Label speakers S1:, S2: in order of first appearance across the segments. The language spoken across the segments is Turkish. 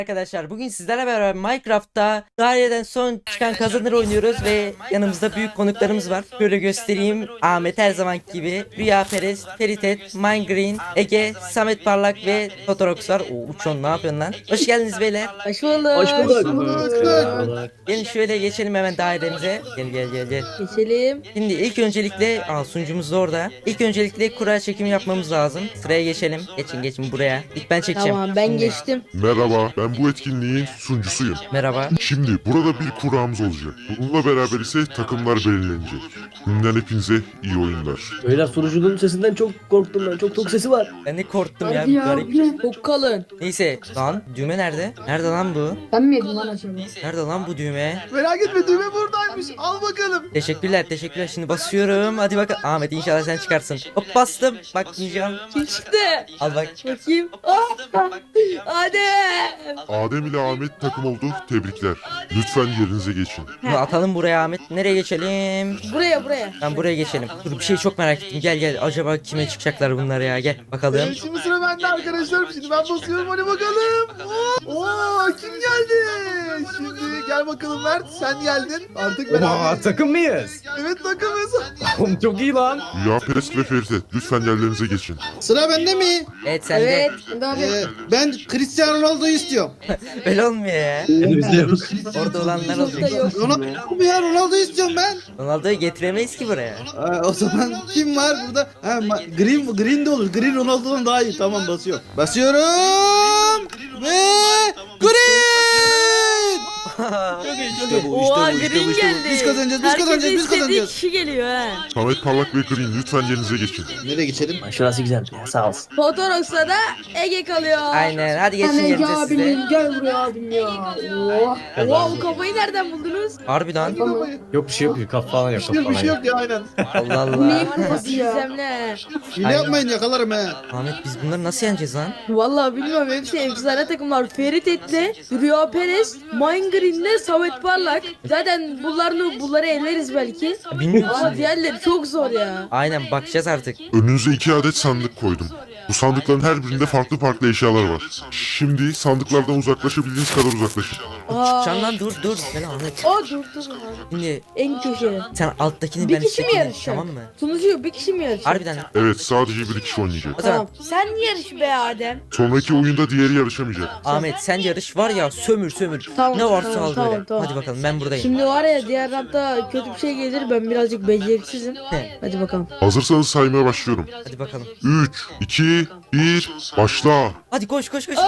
S1: Arkadaşlar bugün sizlerle beraber Minecraft'ta daireden son çıkan kazanır oynuyoruz ve yanımızda büyük konuklarımız var. Şöyle göstereyim. Ahmet her zaman gibi, Rüya Perez, Feritet, Minegreen, Ege, Samet Parlak ve Totorox var. Oo, Uçon ne yapıyorsun lan? Hoş geldiniz beyler.
S2: Hoş bulduk.
S3: Hoş bulduk.
S1: Gelin şöyle geçelim hemen dairemize. Gel.
S2: Geçelim.
S1: Şimdi ilk öncelikle sunucumuz da orada. İlk öncelikle kura çekimi yapmamız lazım. Sıraya geçelim. Geçin buraya. İlk ben çekeceğim.
S2: Tamam ben
S1: Şimdi.
S2: geçtim.
S4: Merhaba, ben bu etkinliğin sunucusuyum.
S1: Merhaba.
S4: Şimdi burada bir kuramız olacak. Bununla beraber ise takımlar belirlenecek. Şimdiden hepinize iyi oyunlar.
S3: Beyler sunucunun sesinden çok korktum ben. Çok sesi var.
S1: Ben de korktum ya.
S5: Hadi ya,
S1: Garip.
S5: bu ne?
S2: Çok kalın.
S1: Neyse lan düğme nerede? Nerede lan bu?
S5: Ben mi yedim lan acaba?
S1: Nerede lan bu düğme?
S6: Merak etme düğme buradaymış. Al bakalım.
S1: Teşekkürler. Şimdi basıyorum. Hadi bakalım. Ahmet inşallah sen çıkarsın. Hop bastım. Bakmayacağım.
S2: Kim çıktı?
S1: Al bak.
S2: Bakayım. Adem.
S4: Adem ile Ahmet takım oldu. Tebrikler. Lütfen yerinize geçin.
S1: Bunu atalım buraya Ahmet. Nereye geçelim?
S2: Buraya.
S1: Ben buraya geçelim. Dur bir şey çok merak ettim. Gel. Acaba kime çıkacaklar bunlar ya? Gel bakalım.
S6: Şimdi sıra bende arkadaşlar. Şimdi ben basıyorum hadi bakalım. Oo kim geldi? Şimdi gel bakalım Mert sen geldin. Artık ben
S7: Takım mıyız?
S6: Evet takımız.
S7: Oğlum çok iyi lan.
S4: Rüya Perest ve Ferit, lütfen yerlerinize geçin.
S8: Sıra bende mi?
S1: Evet sen de.
S2: Evet.
S5: Şimdi abi.
S8: Ben Cristiano Ronaldo'yu istiyorum.
S1: Böyle olmuyor ya.
S3: Elimizde yok.
S1: Orada olanlar
S2: Çok da
S1: olacak.
S2: yok.
S8: Ronaldo ya Ronaldo'yu istiyorum ben.
S1: Ronaldo'yu getiremeyiz ki buraya.
S8: O zaman kim var burada? Green de olur. Green Ronaldo'dan daha iyi. Tamam basıyorum. Basıyorum. Ve Green! İşte bu,
S2: Oha
S8: işte
S2: Green
S8: bu.
S2: geldi.
S8: Biz kazanacağız, biz
S2: Herkesin
S8: kazanacağız, biz
S2: istediği
S8: kazanacağız.
S2: kişi geliyor ha.
S4: Samet Parlak ve Green, lütfen yerinize geçin.
S8: Nereye geçelim?
S3: Şurası güzel ya sağ olsun.
S2: Fotorox'ta da Ege kalıyor.
S1: Aynen. Hadi geçin
S5: Sen Ege
S1: yerinize siz de.
S5: abinin gel buraya abim ya. Oh.
S2: Oha bu kafayı nereden buldunuz?
S1: Harbiden.
S7: Yok bir şey yok. Kaf falan yok.
S6: Bir şey yok ya aynen.
S1: Allah
S5: Bu neyin
S1: Allah.
S5: kafası ya?
S2: Gizemli.
S8: Hile yapmayın yakalarım he.
S1: Ahmet biz bunları nasıl yeneceğiz lan?
S2: Vallahi bilmiyorum hepsi efsane takımlar. Ferit Et'le, Rüya Perez, Minegreen'le, Samet Parlak. Zaten bunları elleriz belki.
S1: Bilmiyorum.
S2: Ama diğerleri çok zor ya.
S1: Aynen bakacağız artık.
S4: Önünüze 2 adet sandık koydum. Bu sandıkların her birinde farklı eşyalar var. Şimdi sandıklardan uzaklaşabildiğiniz kadar uzaklaşın.
S1: Can lan dur. Gel Ahmet.
S2: Dur.
S1: Şimdi
S2: En köşe.
S1: sen alttakini
S2: Bir
S1: ben
S2: kişi mi
S1: üsttekini.
S2: yarışacak?
S1: Tamam mı?
S2: Sunucu bir kişi mi yarışacak?
S1: Harbiden.
S4: Evet, sadece bir kişi oynayacak.
S1: O zaman
S2: Tamam. Sen yarış be Adem.
S4: Sonraki oyunda diğeri yarışamayacak.
S1: Ahmet sen yarış var ya sömür.
S2: Tamam,
S1: Ne varsa
S2: tamam,
S1: al
S2: tamam,
S1: böyle.
S2: tamam.
S1: Hadi bakalım ben buradayım.
S2: Şimdi var ya diğer rampta kötü bir şey gelir ben birazcık beceriksizim.
S1: He.
S2: Hadi bakalım.
S4: Hazırsanız saymaya başlıyorum.
S1: Hadi bakalım.
S4: 3, 2, 1, başla.
S1: Hadi koş.
S2: Koş. Olta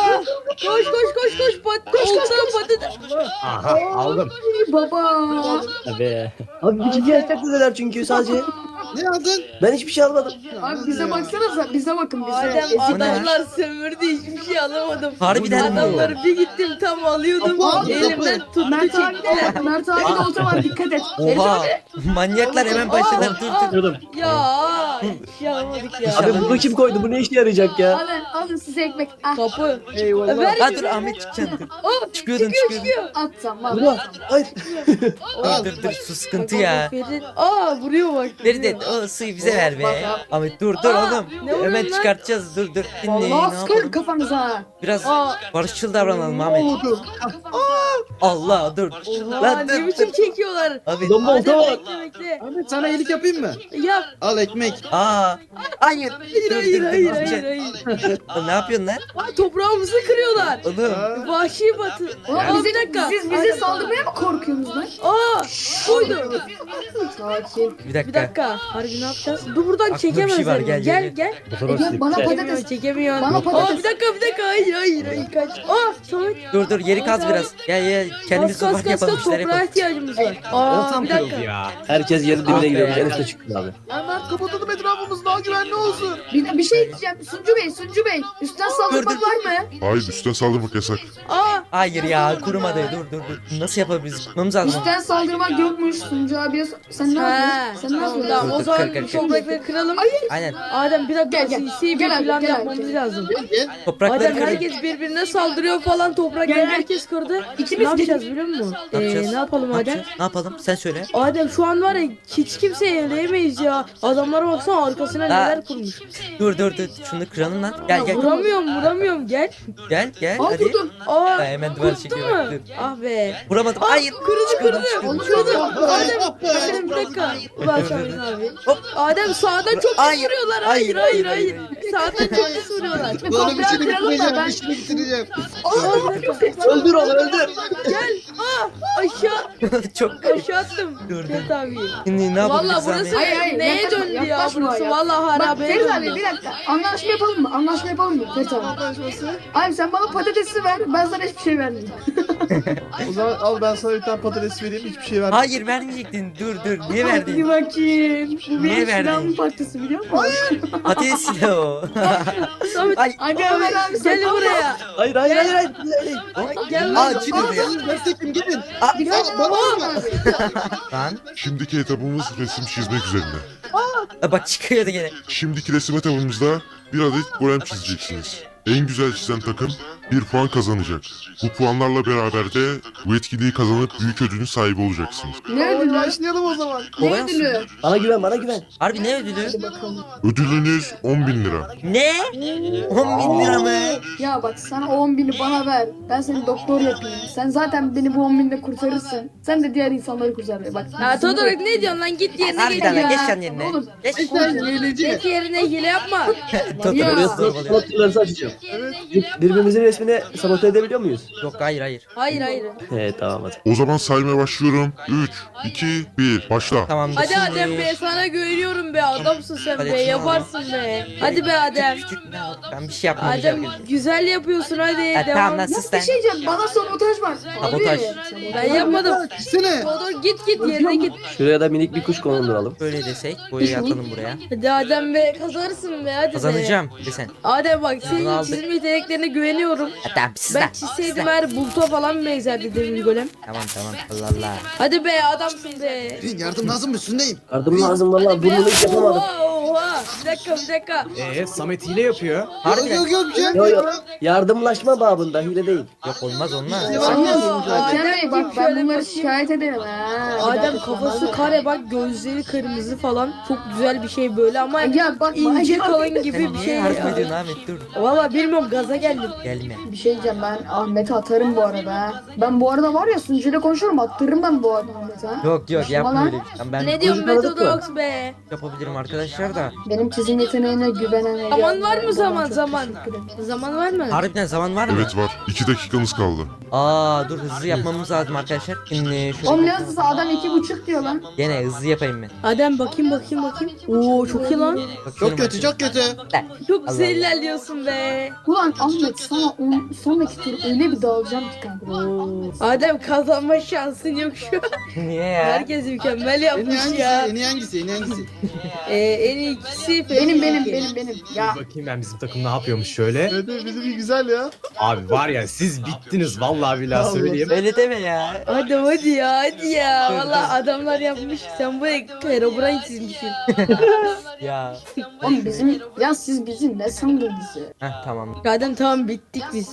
S2: patates.
S7: Aha aldım.
S5: Baba.
S3: Abi. Abi bir ciddi yaşak dediler çünkü sadece.
S8: Ne aldın?
S3: Ben hiçbir şey almadım.
S5: Abi bize baksanıza. Bize bakın bize.
S2: Adem
S5: Ezik.
S2: adamlar sömürdü hiçbir şey alamadım.
S1: Harbiden mi?
S2: Adamları bir gittim tam alıyordum.
S8: Kapı,
S2: Elimden
S8: kapı.
S2: tuttu
S5: Mert abi
S2: çekti.
S5: de Mert abi de olsa var dikkat et.
S1: Oha. Manyaklar hemen başladılar. Dur.
S3: Diyordum.
S2: Ya hiçbir şey alamadık ya.
S3: Abi bunu kim koydu? Bu ne işe yarayacak ya?
S5: Alın size ekmek. Ah,
S2: Kapı.
S3: Eyvallah.
S2: Ver.
S1: Ha dur Ahmet çıkacaksın dur. Çıkıyordun.
S5: atsam var.
S3: Buna. Hayır.
S1: Dur su sıkıntı ya.
S2: Vuruyor bak.
S1: Ferit o suyu bize ver be. Ahmet dur oğlum.
S2: ne vuruyorsun
S1: Hemen
S2: lan?
S1: çıkartacağız dur. Şimdi ne
S5: Vallahi sıkarım
S1: yapalım?
S5: kafanıza.
S1: Biraz
S2: Aa.
S1: barışçıl davranalım Ahmet. Allah dur.
S2: Oha
S1: Lan
S2: ne
S1: dur.
S2: biçim çekiyorlar.
S1: Abi.
S3: Bomba olta var.
S2: Bekle.
S8: Ahmet sana iyilik yapayım mı?
S2: Yap.
S8: Al ekmek.
S1: Aa. Hayır.
S2: Hayır.
S1: Lan ne yapıyorsun lan?
S2: Toprağımızı kırıyorlar.
S1: Oğlum.
S2: Vahşi batı.
S5: Oğlum
S2: Bir dakika.
S5: Siz bize saldırmaya mı korkuyorsunuz lan?
S2: Koydu.
S5: Sakin.
S1: Bir
S2: Bir
S1: dakika.
S2: dakika. Harbi ne yapacağız? Dur buradan
S1: Aklımda bir
S2: çekemez.
S1: şey var, gel.
S2: Gel.
S5: Ege bana patates.
S2: Çekemiyor.
S5: Bana patates.
S2: Bir dakika. Hayır kaç. Samet.
S1: Dur yeri kaz biraz. Gel kendimiz
S2: Kas
S1: ufak yapalım işler
S2: toprağa
S1: yapalım.
S2: ihtiyacımız var.
S7: Ortam
S2: Bir dakika.
S7: kırıldı ya.
S3: Herkes yerin
S1: Ah be.
S3: dibine gidiyormuş. En üstte çıktı abi.
S6: Hemen kapatalım etrafımız daha güvenli olsun.
S5: Bir şey diyeceğim. Suncu Bey. Üstten saldırmak
S1: Dur.
S5: var mı?
S4: Hayır, üstten saldırmak yasak.
S1: Hayır ya kurumadı. Dur. Nasıl yapabiliriz? Tutmamız lazım.
S5: Üstten saldırmak yokmuş. Suncu abiye sen ne yapıyorsun? Sen ne yapıyorsun?
S2: Tamam o
S1: Dur,
S2: zaman
S1: kır.
S2: toprakları kıralım.
S1: Aynen.
S2: Adem bir dakika
S5: Gel.
S2: sinsi bir
S5: Gel abi,
S2: plan
S5: gel abi.
S2: yapmamız lazım.
S1: Toprakları
S2: Adem
S1: kırdık.
S2: herkes birbirine saldırıyor falan toprakları
S5: Gel.
S2: herkes kırdı.
S5: İkimiz
S2: Ne yapacağız biliyor musun?
S1: Ne yapacağız?
S2: Ne yapalım
S1: Ne
S2: Adem?
S1: yapacağız? Ne yapalım? Sen söyle.
S2: Adem şu an var ya hiç kimseyi eleyemeyiz ya. Adamlara baksana arkasına
S1: Ha.
S2: neler kurmuş.
S1: Dur. Şunu kıralım lan. Gel.
S2: Vuramıyorum gel.
S1: Gel
S5: Al
S1: hadi.
S5: vurdum.
S1: Hemen ben duvar
S2: Kurttun
S1: çekiyorum.
S2: mu?
S1: Dur.
S2: Ah be.
S1: Vuramadım. Hayır.
S2: Kırdı. Adem
S8: Ah be.
S2: Adem bir dakika. Ulan Şahin abi.
S1: Hop.
S2: Adem sağdan çok
S1: Hayır.
S2: vuruyorlar.
S1: Hayır,
S2: Hayır.
S1: hayır,
S2: Sağdan çok vuruyorlar.
S8: Oğlum
S5: Biraz
S8: işini
S5: kıralım da
S8: bitireceğim.
S5: ben-
S8: İşini bitireceğim.
S3: Öldür onu öldür.
S2: Gel. Aşağı
S1: Çok
S2: aşağı attım.
S1: Dur, dur.
S2: Evet abi.
S1: Şimdi ne
S2: Valla
S1: yapabiliriz
S2: burası
S1: Ahmet?
S5: Hayır,
S2: neye
S5: yaklaşma,
S2: döndü ya
S5: yaklaşma
S2: burası?
S5: ya.
S2: Valla
S5: Bak
S2: harabeye
S5: Ferit abi
S2: döndü.
S5: bir dakika. Anlaşma yapalım mı? Anlaşma yapalım mı Ferit abi? Abi sen bana patatesi ver. Ben sana hiçbir şey vermeyeyim.
S6: O zaman al ben sana bir tane patates vereyim hiçbir şey vermem.
S1: Hayır vermeyecektin. Dur. Niye
S5: Hadi
S1: verdin?
S5: bakayım. Bu
S1: Niye
S5: benim
S1: verdin?
S5: silahımın parçası biliyor musun?
S1: Patates silahı o.
S2: Samet
S1: Ay.
S5: Hadi Ömer abi sen
S2: gel buraya.
S3: Hayır.
S2: Gel lan.
S8: Aa çiğnedi. Desteklim gelin.
S5: Birkaç
S8: bana
S5: bana abi.
S1: Lan.
S4: Şimdiki etabımız resim çizmek üzerine.
S1: Bak çıkıyordu gene.
S4: Şimdiki resim etabımızda bir adet golem çizeceksiniz. En güzel çizen takım 1 puan kazanacak. Bu puanlarla beraber de bu etkinliği kazanıp büyük ödülün sahibi olacaksınız.
S5: Ne
S6: Hadi
S5: ödülü?
S6: başlayalım o zaman.
S5: Ne
S1: Kolay
S5: ödülü?
S3: Bana güven.
S1: Harbi ne ödülü?
S4: Ödülünüz 10.000 lira.
S1: Ne? 10.000 lira mı?
S5: Ya bak sana o 10.000'i bana ver. Ben seni doktor yapayım. Sen zaten beni bu 10.000'de kurtarırsın. Sen de diğer insanları kurtar. Bak.
S2: Ya Todorok ne diyorsun lan git yerine geç
S1: Harbiden lan
S2: ya.
S1: geç sen yerine.
S5: Oğlum.
S1: Geç.
S8: Sen hileci.
S2: Geç yerine hile yapma.
S1: Totoro
S3: Buraya
S1: zorbalıyor.
S3: slotlarınızı açacağım.
S6: Evet.
S3: Birbirimizin resmini sabote edebiliyor muyuz?
S1: Yok hayır.
S2: Hayır.
S3: He tamam hadi.
S4: O zaman saymaya başlıyorum. 3, 2, 1, başla.
S1: Tamamdır.
S2: Hadi
S1: Şimdi-
S2: Adem be sana güveniyorum be adamsın sen
S1: Hadi
S2: be
S1: şuna
S2: yaparsın be. Hadi be Adem.
S1: Ben bir şey yapmayacağım.
S2: Adem güzel yapıyorsun hadi
S1: Tamam
S2: devam.
S1: lan sus
S5: Bir
S1: lan.
S5: şey diyeceğim. Bana sabotaj var.
S1: Sabotaj.
S2: Ben yapmadım.
S8: Gitsene.
S2: Todor git yerine git.
S3: Şuraya da minik bir kuş konulturalım.
S1: Böyle desek boyayı atalım buraya.
S2: Hadi Adem be kazanırsın be hadi be.
S1: Kazanacağım desen.
S2: Adem bak
S1: Bunu
S2: senin
S1: aldık.
S2: çizim yeteneklerine güveniyorum.
S1: Tamam sus
S2: Ben
S1: lan.
S2: çizseydim her buluta falan benzerdi demir golem.
S1: Tamam Allah Allah.
S2: Hadi be adamsın be.
S8: Yardım lazım üstündeyim.
S3: Yardım lazım valla burnunu hiç yapamadım.
S2: Oha. Bir dakika.
S7: Samet hile yapıyor.
S1: Harbiden.
S8: Yok bir şey
S3: Yo
S8: yapmıyorum.
S3: yardımlaşma babında hile değil.
S1: Yok olmaz.
S5: Hakem Bey bak ben
S2: şöyle
S5: bunları
S2: bakayım.
S5: şikayet ederim ha.
S2: Adem kafası kare bak gözleri kırmızı falan çok güzel bir şey böyle ama
S5: Ya bak
S2: ince
S5: bak-
S2: kalın gibi
S1: Sen
S2: bir
S1: niye
S2: şey
S1: yardım
S2: ya.
S1: ediyorsun Ahmet dur.
S2: Valla bilmiyorum gaza geldim.
S1: Gelme.
S5: Bir şey diyeceğim ben Ahmet'e atarım bu arada ha. Ben bu arada var ya sunucuyla konuşurum attırırım ben bu arada Ahmet'e ha.
S1: Yok yapma
S5: Lan.
S1: öyle bir şey. Ben
S2: Ne diyorsun
S3: tanıdık mı?
S2: Metodox be?
S1: yapabilirim arkadaşlar da.
S5: Benim çizim yeteneğine güvenen
S2: Zaman var mı zaman?
S5: Çok
S2: Zaman.
S5: teşekkür ederim.
S2: Zaman var mı?
S1: Harbiden zaman var mı?
S4: Evet var. 2 dakikanız kaldı.
S1: Dur hızlı yapmamız lazım arkadaşlar. Şimdi
S5: Oğlum
S1: şöyle
S5: ne hızlısı adam 2,5 diyor lan.
S1: gene hızlı yapayım ben.
S2: Adem bakayım. Oo çok iyi lan.
S8: Çok kötü çok kötü.
S2: Çok güzel
S1: Allah.
S2: ilerliyorsun be.
S5: Ulan Ahmet sana sonraki tur öyle bir dağılacağım ki kanka.
S2: Adem kazanma şansın yok şu an.
S1: Niye ya?
S2: Herkes mükemmel
S8: En iyi
S2: yapmış
S8: hangisi?
S2: ya.
S8: En iyi hangisi? En iyi hangisi?
S2: En iyi ikisi
S5: Benim. Ya
S7: Bakayım ben bizim takım ne yapıyormuş şöyle.
S6: Evet bizim iyi güzel ya.
S7: Abi var ya siz bittiniz vallahi billahi söyleyeyim.
S1: Öyle deme ya.
S2: Hadi ya. Valla adamlar yapmış. Sen bu Herobrine çizmişsin.
S1: Ya.
S5: oğlum siz bizi ne sandınız ya?
S1: Tamam.
S2: Adem tamam bittik biz.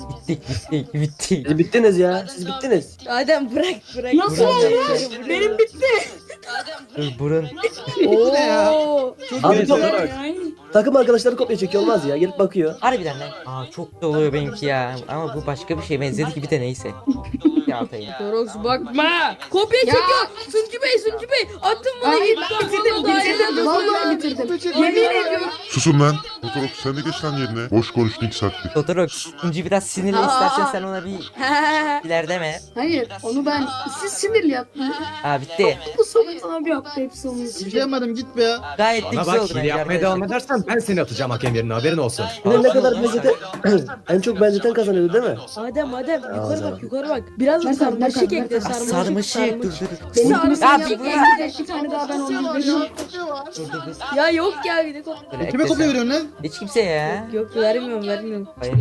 S1: Bitti.
S3: Siz bittiniz ya. Siz bittiniz.
S2: Adem bırak.
S5: Nasıl olmuş? Benim bitti.
S1: Dur burun.
S8: ne ya?
S2: Oo.
S3: Abi takım arkadaşları kopya çekiyor olmaz ya. Gelip bakıyor.
S1: Harbiden lan. Çok da oluyor benimki ya. Ama bu başka bir şey benzedi ki bir de neyse. Ya atayım.
S2: Dorox bakma. Kopya çekiyor. Suncu Bey. Attın bunu
S5: Hayır
S2: git.
S5: ben bitirdim. Vallahi bitirdim. Yemin ediyorum.
S4: Susun lan. Fotoğraf sen de geç lan yerine. Boş konuştun 2 saattir.
S1: Totorox. İnci biraz sinirli istersen sen ona bir ilerleme.
S5: Hayır onu ben siz sinirli yaptınız.
S1: Bitti.
S5: Bu Samet abi yaptı hepsi onun
S8: Bir şey
S5: için.
S8: yapmadım git be ya.
S1: Gayet de
S7: Bana
S1: güzel
S7: bak
S1: oldu
S7: hile
S1: bence
S7: yapmaya
S1: arkadaşlar.
S7: devam edersen ben seni atacağım hakem yerine haberin olsun.
S3: Yine ne kadar benzeten en çok benzeten kazanıyordu değil mi?
S2: Adem yukarı bak. Biraz da
S5: Bakın,
S2: sarmaşık
S5: bakın,
S2: ekle
S5: bakın.
S1: Sarmaşık dur.
S5: Benim
S2: Sarı-
S5: kimse
S1: Ya
S5: yaptı.
S1: bir-
S5: Bir tane daha ben onu
S6: Var
S5: veriyorum.
S6: ya. Kopya var.
S2: Ya yok ya bir de
S1: Böyle
S8: Kime
S1: eklesen.
S8: kopya veriyorsun lan?
S1: Hiç kimse ya.
S2: Yok vermiyorum.
S1: Hayır.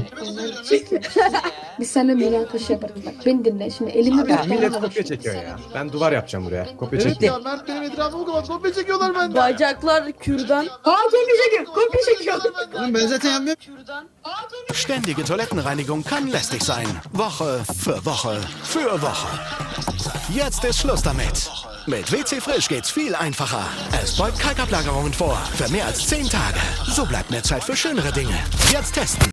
S5: Biz seninle münakaşa yaparız bak. Beni dinle şimdi elimi bir
S7: Ya millet kopya çekiyor ya. Ben duvar yapacağım buraya. Kopya
S6: Evet
S7: çekiyor.
S6: ya Mert benim etrafıma kadar kopya çekiyorlar benden.
S2: Bacaklar kürdan.
S5: Kopya çekiyor.
S8: Oğlum ben zaten yapmıyorum.
S9: Ständige Toilettenreinigung kann lästig sein. Woche für Woche für Woche. Jetzt ist Schluss damit. Mit WC Frisch geht's viel einfacher. Es beugt Kalkablagerungen vor. Für mehr als 10 Tage. So bleibt mehr Zeit für schönere Dinge. Jetzt testen.